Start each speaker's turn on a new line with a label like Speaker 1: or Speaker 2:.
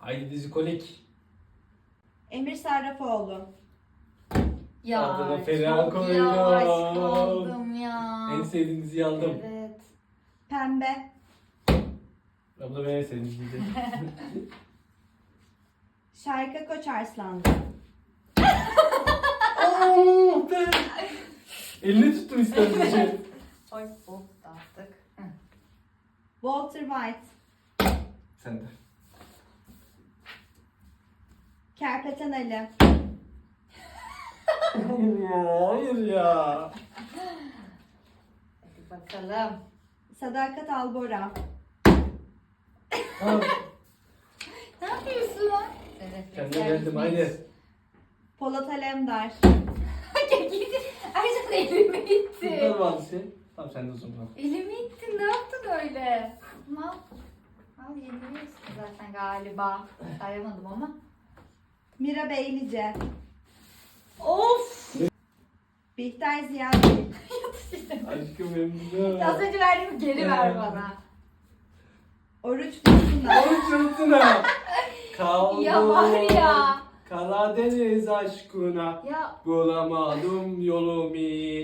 Speaker 1: Haydi dizi kolik.
Speaker 2: Emir Sarrafoğlu.
Speaker 3: Ya
Speaker 1: Adına Feriha
Speaker 3: çok
Speaker 1: koydum.
Speaker 3: yavaş kaldım ya.
Speaker 1: En sevdiğin diziyi aldım.
Speaker 3: Evet.
Speaker 2: Pembe.
Speaker 1: Abla ben en sevdiğin diziydi.
Speaker 2: Şarkı Koçarslanlı.
Speaker 1: Oo, ben. Elini tuttum istersen.
Speaker 3: Oy hop dağıttık. Hı.
Speaker 2: Walter White.
Speaker 1: Sen de.
Speaker 2: Kerpeten Ali.
Speaker 1: Hayır ya, hayır ya.
Speaker 3: Hadi bakalım.
Speaker 2: Sadakat Albora.
Speaker 1: Tamam.
Speaker 3: Ne yapıyorsun? Evet.
Speaker 1: Kendine geldim, haydi.
Speaker 2: Polat Alemdar.
Speaker 3: Gidin. Ercan elimi itti.
Speaker 1: Kurtlar Vadisi. Tamam sen de o zaman.
Speaker 3: Elimi ittin. Ne yaptın öyle? Al. Al yeniliyorsun zaten galiba. Sayamadım ama.
Speaker 2: Mira Beylice.
Speaker 3: Of.
Speaker 2: Bihter Ziyagil.
Speaker 1: Aşkım benim de.
Speaker 3: Az önce verdiğimi geri ver bana.
Speaker 2: Oruç Dursunay.
Speaker 1: Oğlum çırptına. Kaldım.
Speaker 3: Ya var ya.
Speaker 1: Karadeniz aşkına.
Speaker 3: Ya
Speaker 1: Bulamadım yolumu.